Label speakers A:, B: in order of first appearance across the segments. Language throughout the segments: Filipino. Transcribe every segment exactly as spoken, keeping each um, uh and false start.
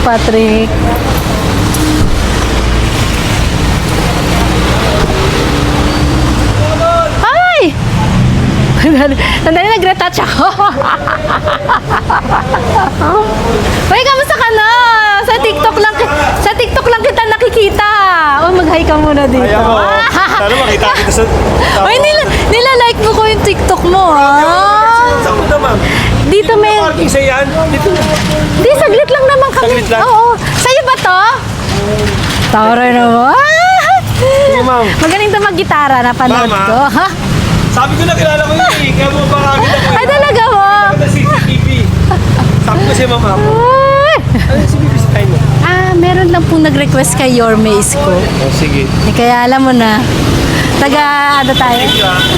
A: Patrick. Ay! Sandali, nag-retouch ako. Uy, kamusta ka na? Sa TikTok lang, sa TikTok lang kita nakikita. O, mag-hi ka muna dito.
B: Ayaw mo. Sana makita kita sa...
A: Uy, nila, nila-like mo ko yung TikTok mo, ah.
B: Saan mo naman?
A: Dito may...
B: Parking sa yan? Dito.
A: Di, saglit lang naman kami.
B: Saglit lang?
A: Oo. Sa'yo ba to? Tara naman.
B: Sige, ma'am.
A: Magaling to mag-gitara, napanood
B: Mama.
A: ko. Ha?
B: Sabi ko na kilala ko yun eh. Kaya mo baka kita ko.
A: Ay, talaga mo?
B: Sa C C T V. Sabi ko siya, ma'am.
A: Ay.
B: Ano yung sinibisitahin mo?
A: Ah, meron lang pong nag-request kay Yorme Isko.
B: Oh, sige.
A: Eh, kaya alam mo na. Taga, ano tayo?
B: Thank you, ah.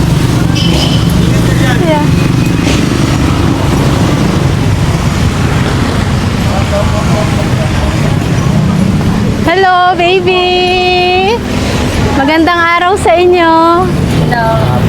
A: Yeah. Hello, baby! Magandang araw sa inyo.
C: Hello.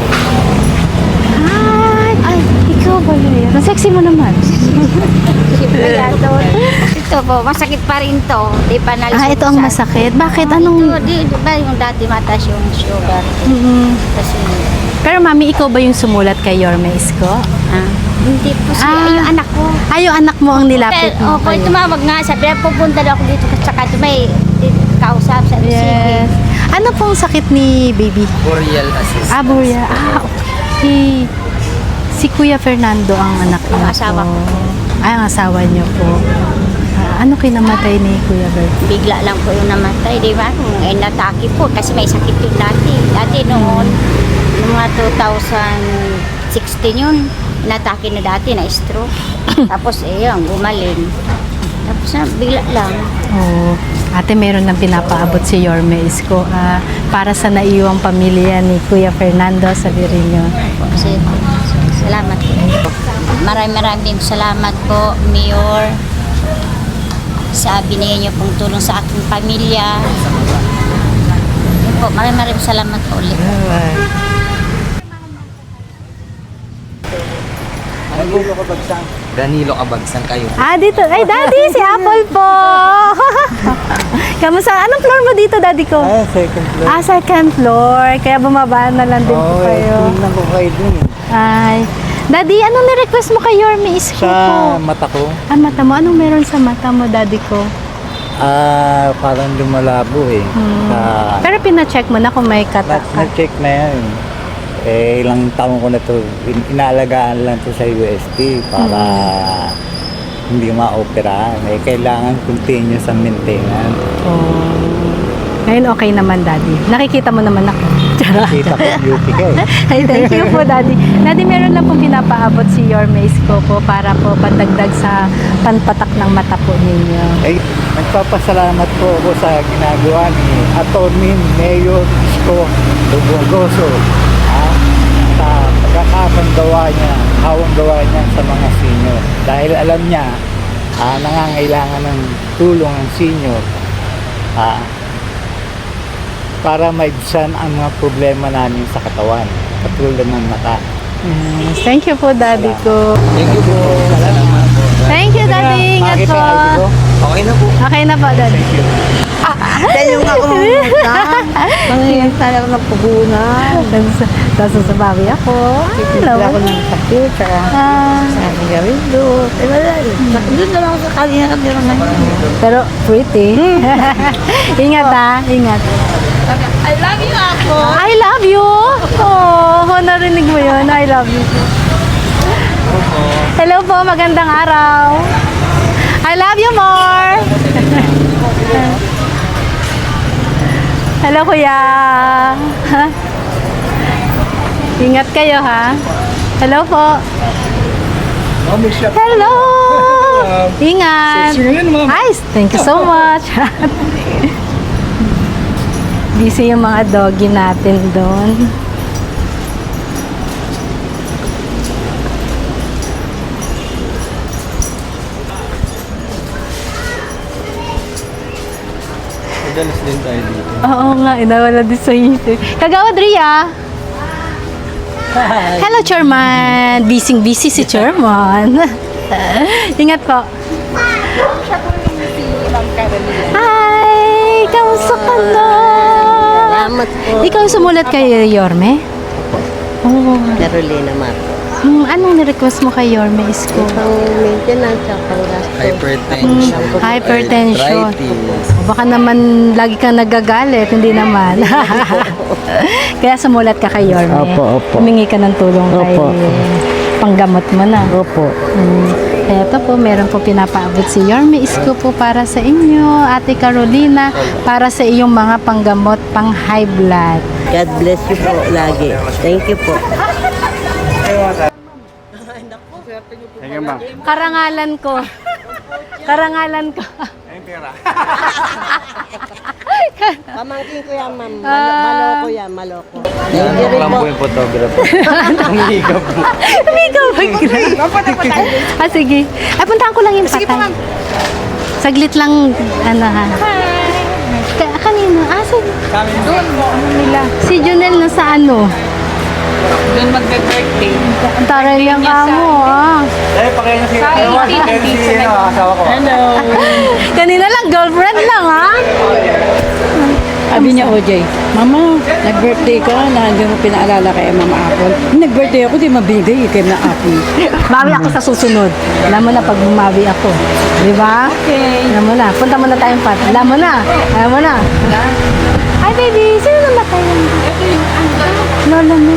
A: Hi! Ay, ikaw ba yun? Ang sexy mo naman.
C: Siyempre yan doon. Ito po, masakit pa rin to. Di pa nalusot.
A: Ah, ito ang masakit. Bakit? Anong...
C: Ito, di, di ba yung dati mataas yung sugar?
A: Mm-mm.
C: Kasi,
A: Pero mami, ikaw ba yung sumulat kay Yorme Isko?
C: ah, hindi po siya.
A: Ah.
C: Ay, yung anak ko.
A: Ay, yung anak mo ang nilapit mo.
C: Pero, opo, tumawag nga. Sabi na, pupunta daw ako dito. Tsaka ito may di- kausap sa
A: Yes. Ano pong sakit ni baby?
D: Boreal assist.
A: Ah, Buria. Ah, okay. Si Kuya Fernando ang anak niyo
C: Ang asawa
A: po.
C: ko.
A: Ay, ang asawa niyo po. Ah, ano kinamatay ni Kuya Bert?
C: Bigla lang po yung namatay. Di ba? Kung eh, natake po. Kasi may sakit yun dati. Dati noon, noong mga two thousand sixteen yun, natake na dati na stroke. Tapos eh yun, gumaling. Tapos na, bigla lang.
A: Oh, ate, meron nang pinapaabot si Yorme Isko ah, para sa naiwang pamilya ni Kuya Fernando sa Virino.
C: Kasi, salamat po. Maraming maraming salamat po, Mayor, sa binigay niyo pong tulong sa aking pamilya. Yun po, maraming maraming salamat po ulit.
D: Danilo Kabagsang kayo.
A: Ah, dito. Ay, Daddy, si Apple po. Kamusta? Anong floor mo dito, Daddy ko?
E: Ah, second floor.
A: Ah, second floor. Kaya bumaba na lang din po
E: Oo,
A: kayo.
E: eh, tingnan ko kayo dun eh.
A: Ay. Daddy, anong ni-request mo kay Yorme Isko
E: Sa
A: po?
E: mata ko,
A: Ah, mata mo? Anong meron sa mata mo, Daddy ko?
E: ah, parang lumalabo eh.
A: Hmm.
E: Sa,
A: Pero pina-check mo na kung may
E: na,
A: kata.
E: na-check na yan. Eh, ilang taon ko na to, in- inaalagaan lang to sa U S T para hindi ma-operahan. Eh, kailangan continuous ang maintenance.
A: Oh. Ngayon okay naman, Daddy. Nakikita mo naman ako. Charot.
E: Kita ko beauty ka eh.
A: Ay, thank you po, Daddy. Daddy, meron lang pong pinapaabot si Yorme Isko po para po pandagdag sa panpatak ng mata po ninyo.
E: Eh, nagpapasalamat po ako sa ginagawa ni Atty. Mayor Isko Lugoso. Ah, sa pagkakapang gawa niya, hawang gawa niya sa mga senior. Dahil alam niya, ah, nangangailangan ng tulong ang senior. Ah, para maibsan ang mga problema namin sa katawan, katulad ng mata.
A: Yes. Thank you po, Daddy ko.
D: Thank you po. Salamat po.
A: Thank you, Daddy. Ingat
E: Makita
A: po.
E: ang I D ko.
D: Okay na po.
A: Okay na po, Daddy.
C: Dahil yung ako mamuta, mangyayang talaga ng puhunan.
A: Tapos sasabawi ako. Hello.
C: Ako ng sakit, saka
A: Ah,
C: sa aking gawin doon. Eh, wala. Doon na lang ako sa kanina kami ngayon.
A: pero pretty. Ingat ha. Ingat.
C: I love you, ako.
A: I love you. Oh, narinig mo yun. I love you. Hello po. Magandang araw. I love you more. Hello, kuya. Ingat kayo, ha? Hello po. Hello. Ingat. Ay, thank you so much. Busy yung mga doggy natin doon.
B: Madalas din tayo dito.
A: Oo nga, inawala din sa isip. Kagawad Ria. Hello, Chairman. Busy busy si Chairman. Ingat po. Hala!
F: Salamat po.
A: Ikaw sumulat kay Yorme? Oo.
F: Carolina Marco.
A: Hmm, anong ni-request mo kay Yorme Isko?
F: Pang maintenance at pang gasto.
D: Hypertension.
A: Hmm, hypertension.
D: Arthritis.
A: O baka naman lagi kang nagagalit, hindi naman. Kaya sumulat ka kay Yorme.
E: Opo, opo.
A: Humingi ka ng tulong kay
E: Opo.
A: panggamot mo na.
E: Opo.
A: Hmm. Kaya ito po, meron po pinapaabot si Yorme Isko po para sa inyo, Ate Carolina, para sa iyong mga panggamot, pang high blood.
F: God bless you po lagi. Thank you po.
E: Sige, ma'am.
A: Karangalan ko. Karangalan ko.
F: Pamangkin ko yan, ma'am. Malo,
A: Ah.
F: maloko yan, maloko. Thank
B: Yan
F: you rin
B: lang
F: po.
B: po yung photographer. Umihigap po.
A: Hindi ka mag Ah, sige. Ay, puntahan ko lang yung patay. Saglit lang, ano ha. Ka kanino? Ah, sa... Doon mo, ano nila? Si Junel na sa ano?
G: Doon magbe-birthday.
A: Ang taray yung kamo, ah.
E: Eh, pakaya niyo si si asawa ko.
G: Hello.
A: Kanina lang, girlfriend lang, ha?
G: Sabi niya, O J, Mama, nag-birthday ka na hindi mo pinaalala kay Mama Apple. Nag-birthday ako, di mabigay kay na Apple.
A: Bawi ako sa susunod. Alam mo na pag bumawi ako. Di ba?
G: Okay.
A: Alam mo na. Punta mo na tayong pat. Alam mo na. Alam mo na. Hi, baby. Sino namatay yan?
G: Ito yung ano.
A: Lola mo.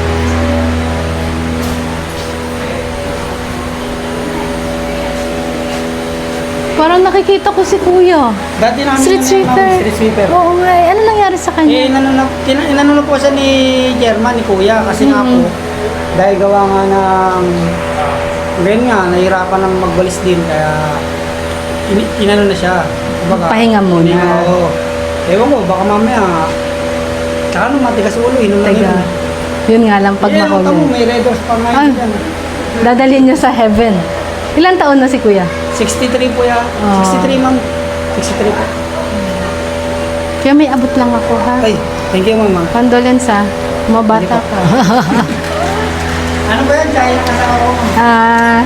A: Parang nakikita ko si Kuya.
H: Dati namin
A: Street sweeper.
H: Street sweeper.
A: Oo nga. eh. Ano nangyari sa
H: Eh,
A: kanya?
H: inano na, tina- inano na po siya ni German, ni Kuya, kasi nga po, dahil gawa nga ng, ngayon nga, nahirapan ng magbalis din, kaya, in, inano na siya. Kumbaga,
A: Pahinga muna.
H: Pahinga, oo. Ewan ko, baka mamaya, tsaka nung matigas ulo, inom na
A: Teka.
H: yun.
A: Yun nga lang pag
H: Eh, ano tamo,
A: makulong.
H: may red doors pa nga
A: Ah.
H: yun dyan.
A: Dadalhin niyo sa heaven. Ilang taon na si Kuya?
H: sixty-three po yan.
A: Ah.
H: sixty-three, ma'am. sixty-three po.
A: Kaya may abot lang ako, ha?
H: Ay, thank you, ma'am.
A: Condolence, ha? Mabata ka.
H: Ano ba yan? Kaya ng asawa ko, ma'am.
A: Ah...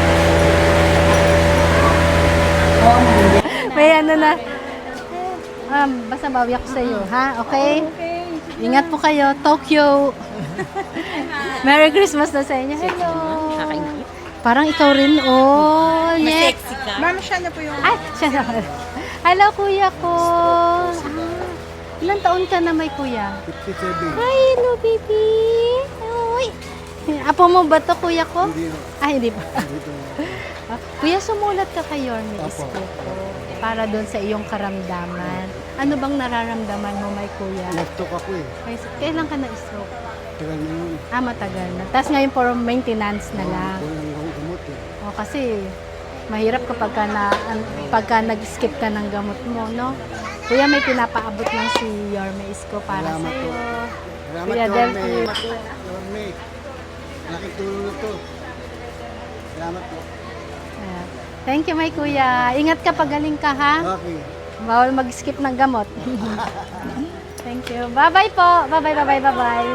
A: may ano na. Um, basta bawi ako sa iyo, ha? Okay? Ingat po kayo. Tokyo. Merry Christmas na sa inyo. Hello. Parang ikaw rin, oh. Mas sexy ka. Ma'am, siya na po yung... Ay, siya na. Hello, kuya ko. Ah, ilang taon ka na may kuya? fifty-seven. Hi, hello, baby. Uy. Apo mo ba to, kuya ko? Hindi. Ay, hindi pa. Ah, kuya, sumulat ka kay Yorme Isko ko para doon sa iyong karamdaman. Ano bang nararamdaman mo, may kuya?
E: Nag-talk ako eh.
A: Ay, kailan ka na-stroke?
E: Tagal na yun.
A: Ah, matagal na. Tapos ngayon for maintenance na lang.
E: Walang akong gamot eh.
A: O, kasi mahirap kapag ka na, an- pagka nag-skip ka ng gamot mo, no? Kuya, may pinapaabot lang si Yorme Isko para
E: Salamat
A: sa'yo.
E: po. Salamat
A: Kuya
E: Yorme.
A: Delphi.
E: Yorme. Malaking tulong na to. Salamat po.
A: Ayan. Thank you, my kuya. Ingat ka, pagaling ka, ha?
E: Okay.
A: Bawal mag-skip ng gamot. Thank you. Bye-bye po. Bye-bye, bye-bye, bye-bye.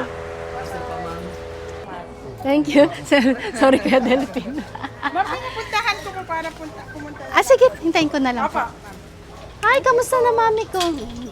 A: Thank you. Sorry, Kuya Delphine.
G: Ma'am, pinupuntahan ko po para punta, pumunta.
A: Ah, sige. Hintayin ko na lang po. Ay, kamusta na mami ko?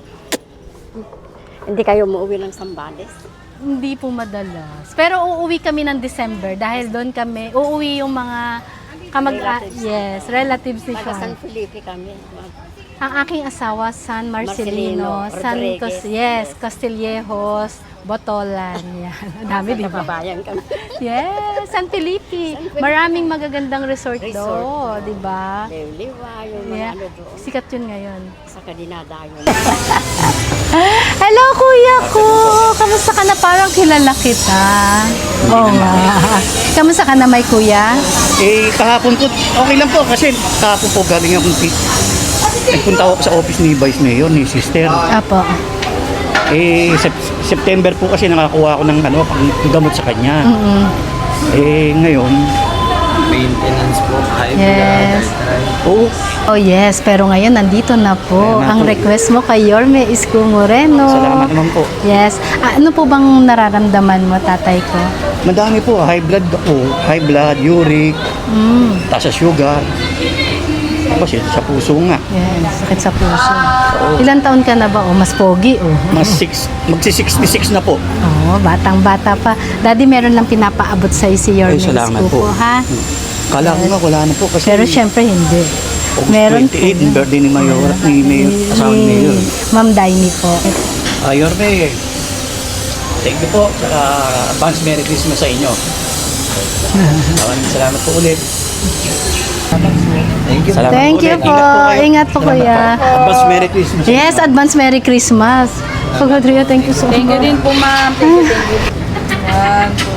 C: Hindi kayo umuwi ng Sambales?
A: Hindi po madalas. Pero uuwi kami ng December dahil doon kami, uuwi yung mga kamag... ah, yes, relatives ni
C: Taga San
A: Sean.
C: Felipe kami.
A: Ang aking asawa, San Marcelino,
C: Marcelino,
A: San
C: Rodriguez.
A: Cos, yes, Castillejos, Botolan, yan. Ang dami, di ba?
C: Kababayan kami.
A: Yes, San Felipe. Maraming magagandang resort,
C: Resort.
A: do, di ba?
C: Liwa, yung mga
A: Yeah.
C: ano doon.
A: Sikat yun ngayon.
C: Sa Kadinadayon.
A: Hello, kuya ko! Kamusta ka na? Parang kilala kita. Oo nga. Kamusta ka na, may kuya?
I: Eh, kahapon po, okay lang po kasi kahapon po galing akong pi- nagpunta ako sa office ni Vice Mayor, ni Sister.
A: Apo.
I: Eh, Sep- September po kasi nakakuha ako ng ano, pang gamot sa kanya.
A: Mm-mm.
I: Eh, ngayon,
D: Maintenance po. High
A: Yes.
D: blood. arthritis.
I: oh,
A: Oh yes, pero ngayon nandito na po.
I: Ayan na
A: Ang
I: po.
A: request mo kay Yorme Isko Moreno.
I: salamat naman po.
A: Yes. Ah, ano po bang nararamdaman mo, tatay ko?
I: Madami po, high blood ako, high blood, uric,
A: Mm.
I: taas sa sugar. Tapos yun, sa puso nga.
A: Yes, sakit sa puso. Ilan taon ka na ba? O, mas pogi, oh.
I: Mas six, magsi sixty-six na po.
A: Oo, batang-bata pa. Daddy, meron lang pinapaabot sa'yo si Your
I: Ay, salamat
A: Kuko,
I: po.
A: ha?
I: Kala ko nga wala na po kasi
A: Pero syempre hindi.
I: August
A: Meron
I: twenty-eight,
A: po.
I: yung birthday ni Mayor, ni Mayor, asawa ni Mayor.
A: Ma'am Daini po.
I: Ayor May, thank you po. Saka advance Merry Christmas sa inyo. Maraming salamat po ulit. Thank you. Salamat
A: Thank
I: po
A: you
I: ulit.
A: po.
I: kayo.
A: Ingat po,
I: Salamat
A: kuya.
I: po. Advance Merry Christmas. sa
A: Yes,
I: inyo.
A: advance Merry Christmas. Pag-Adria, thank you so much.
G: Thank you din po, ma'am. Thank you, thank you. One, two,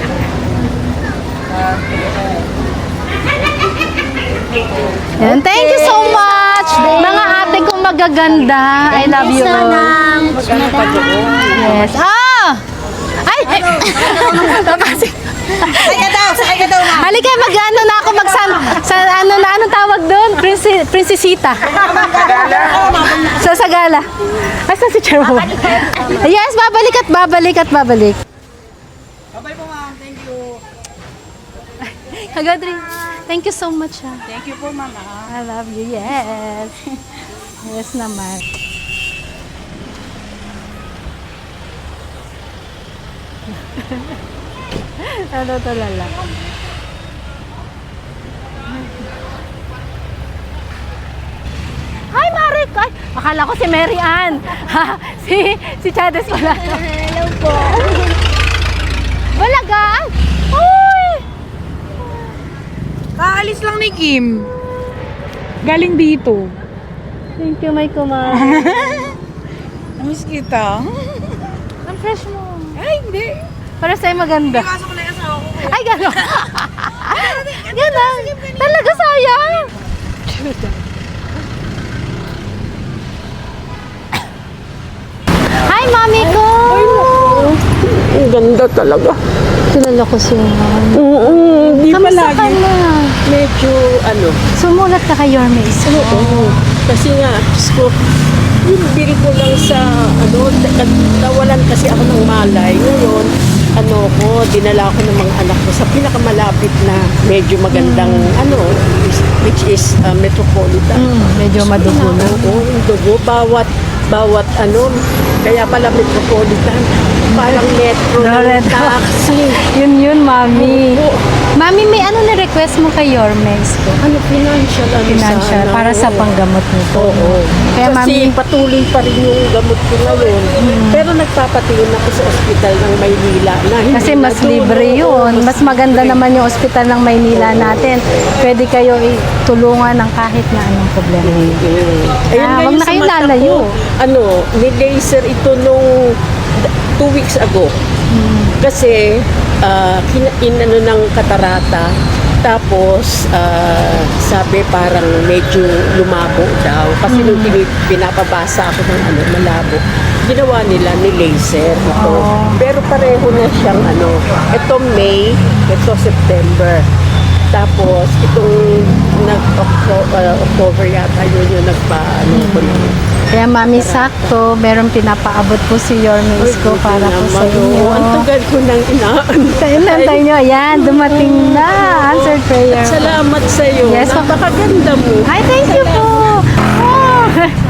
A: Yan, thank you so much. Mga ate kong magaganda. I love you all. Yes. Ah! Ay! Tapos- Halika, mag-ano na ako, mag sa ano na, anong tawag doon? Prinsi, prinsesita. Sa Sagala. Asa si Charo? Yes, babalik at babalik at babalik.
H: Bye po ma'am, thank you.
A: Hagadri, thank you so much. Ha.
G: Thank you po, mama.
A: I love you, yes. Yes naman. Ano to lala? Hi, Marik! Ay, akala ko si Mary Ann. Ha, si, si Chades pala. Hello po. Balaga! Uy!
G: Kaalis lang ni Kim. Galing dito.
A: Thank you, my kumare.
G: Namiss kita.
A: Ang fresh mo.
G: Ay, hindi.
A: Para sa'yo maganda.
G: Pasok ko na yung asawa ko.
A: Ay, gano'n. Gano'n. Talaga sayang. Hi, mami ko.
F: Ang ganda talaga.
A: Kilala ko siya.
F: Mm, di pa
A: Kamusta ka
F: lagi.
A: na?
F: Medyo ano.
A: Sumulat ka kay Yorme Isko.
F: Oo. Kasi nga, Diyos ko, yung bill ko lang sa, ano, na- nawalan kasi ako ng malay. Ngayon, ano ko, dinala ko ng mga anak ko sa pinakamalapit na medyo magandang, ano, is- which is uh, Metropolitan.
A: Mm, medyo madugo na.
F: Oo, yung dugo. Bawat, bawat, ano, kaya pala Metropolitan, parang metro ng
A: Loreto.
F: taxi.
A: Yun yun, mami.
F: Oo.
A: Mami, may ano na request mo kay Yorme Isko?
F: Ano, financial, ano
A: Financial,
F: sana,
A: para sa
F: oo.
A: panggamot nito.
F: Oo.
A: Kaya
F: Kasi
A: mami,
F: patuloy pa rin yung gamot ko ngayon. Pero nagpapatingin ako sa ospital ng Maynila. Na hindi
A: kasi
F: na
A: mas
F: doon,
A: libre
F: oo,
A: yun. Mas maganda
F: libre.
A: naman yung ospital ng Maynila natin. Pwede kayo itulungan ng kahit na anong problema.
F: Mm. Ayun
A: Ah,
F: nga
A: wag
F: yung
A: na
F: sa
A: kayong
F: mata
A: lalayo.
F: ko, Ano, ni-laser ito nung d- two weeks ago. Kasi, uh, inano ng katarata. Tapos, ah, sabi parang medyo lumabo daw. Kasi nung pini- pinapabasa ako ng ano, malabo, ginawa nila ni laser ito. Pero pareho na siyang ano, ito May, ito September. Tapos, itong nag-October October yata yun yung nagpa-ano ko na.
A: Kaya mami, sakto, meron pinapaabot po si Yorme Isko para po sa inyo.
F: Ang tagal ko nang inaantay.
A: Nantay nyo, ayan, dumating na. Answered prayer.
F: Salamat sa iyo.
A: Yes, ma'am.
F: Napakaganda mo.
A: Ay, thank you po. Oh.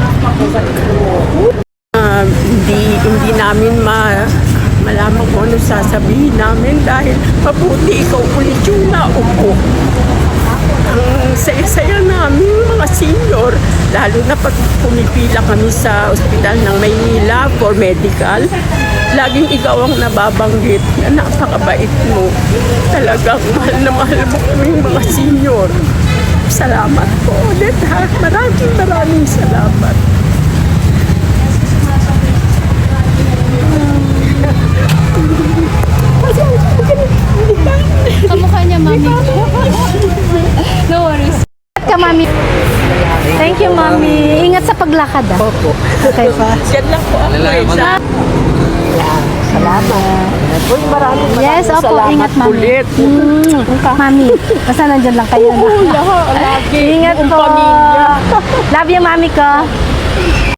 F: Ah, hindi hindi namin ma malaman kung ano sasabihin namin dahil mabuti ikaw ulit yung naupo. Ang saya-saya namin mga senior, lalo na pag pumipila kami sa ospital ng Maynila for medical, laging ikaw ang nababanggit na napakabait mo. Talagang mahal na mahal mo kaming mga senior. Salamat po ulit ha. Maraming maraming salamat.
A: Kamukha niya, mami. No worries. Ingat ka, mami. Thank you, mami. Ingat sa paglakad, ah.
F: Opo.
A: Okay pa.
F: Yan lang po ako eh. Sa- Salamat. Uy, maraming maraming
A: Yes, opo,
F: salamat
A: ingat, mami.
F: ulit.
A: Mm, mami, basta nandyan lang kayo.
F: Oo, lahat. Lagi.
A: Ingat
F: Buong
A: po.
F: pamilya.
A: Love you, mami ko.